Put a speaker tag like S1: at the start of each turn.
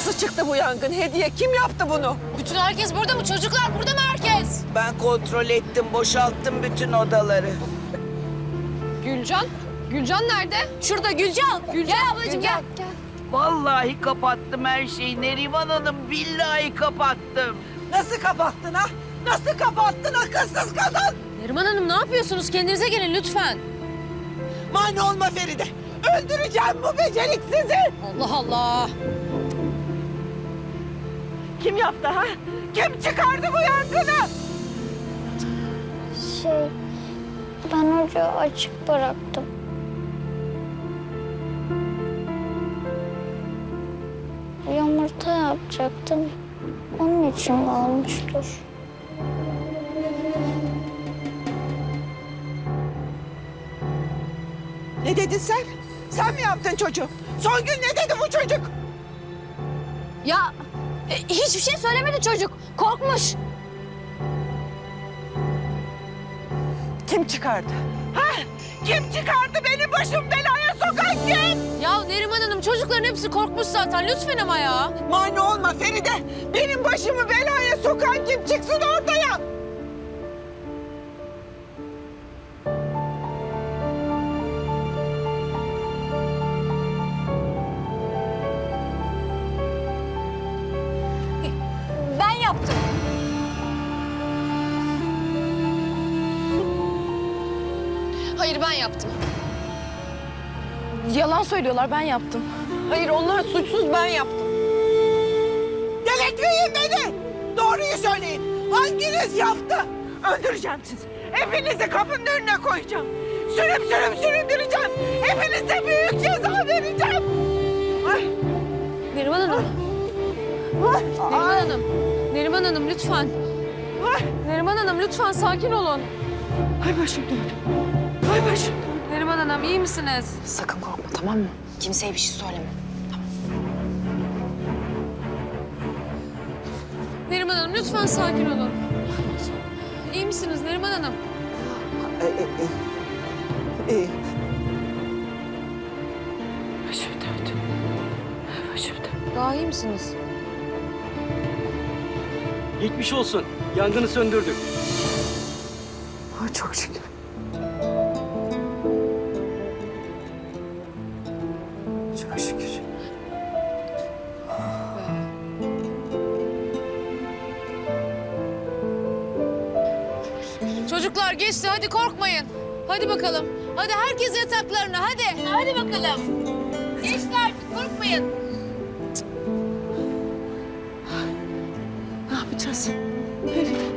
S1: Nasıl çıktı bu yangın? Hediye kim yaptı bunu?
S2: Bütün herkes burada mı? Çocuklar burada mı herkes?
S3: Ben kontrol ettim, boşalttım bütün odaları.
S2: Gülcan? Gülcan nerede? Şurada Gülcan. Gel ablacığım gel.
S3: Vallahi kapattım her şeyi Neriman Hanım, billahi kapattım.
S1: Nasıl kapattın ha? Nasıl kapattın akılsız kadın?
S2: Neriman Hanım ne yapıyorsunuz? Kendinize gelin lütfen.
S1: Mani olma Feride. Öldüreceğim bu beceriksizi.
S2: Allah Allah.
S1: Kim yaptı ha? Kim çıkardı bu yangını?
S4: Ben ocağı açık bıraktım. Yumurta yapacaktım. Onun için olmuştur.
S1: Ne dedin sen? Sen mi yaptın çocuğu? Songül ne dedi bu çocuk?
S2: Ya hiçbir şey söylemedi çocuk. Korkmuş.
S1: Kim çıkardı? Ha? Kim çıkardı benim başım belaya sokan kim?
S2: Ya Neriman Hanım çocukların hepsi korkmuş zaten. Lütfen ama ya.
S1: Mani olma Feride. Benim başımı belaya sokan kim çıksın ortaya?
S2: Ben yaptım. Hayır ben yaptım. Yalan söylüyorlar ben yaptım.
S1: Hayır onlar suçsuz ben yaptım. Delirtmeyin beni. Doğruyu söyleyin. Hanginiz yaptı? Öldüreceğim sizi. Hepinizi kapının önüne koyacağım. Sürüp süründüreceğim. Hepinize büyük ceza vereceğim. Ay.
S2: Neriman Hanım.
S1: Ay.
S2: Neriman Hanım. Neriman Hanım lütfen.
S1: Ay.
S2: Neriman Hanım lütfen sakin olun.
S1: Ay başım döndü. Ay başım döndü.
S2: Neriman Hanım iyi misiniz?
S5: Sakın korkma, tamam mı? Kimseye bir şey söyleme.
S2: Neriman Hanım lütfen sakin olun. İyi misiniz Neriman Hanım?
S1: İyi.
S2: Başım döndü. Başım döndü. Daha iyi misiniz?
S6: Geçmiş olsun. Yangını söndürdük.
S1: Ay çok şükür. Çok şükür.
S2: Çocuklar geçti hadi korkmayın. Hadi bakalım. Hadi herkes yataklarına hadi. Hadi bakalım. Geçti artık korkmayın.
S1: Ne yapacağız? Feride.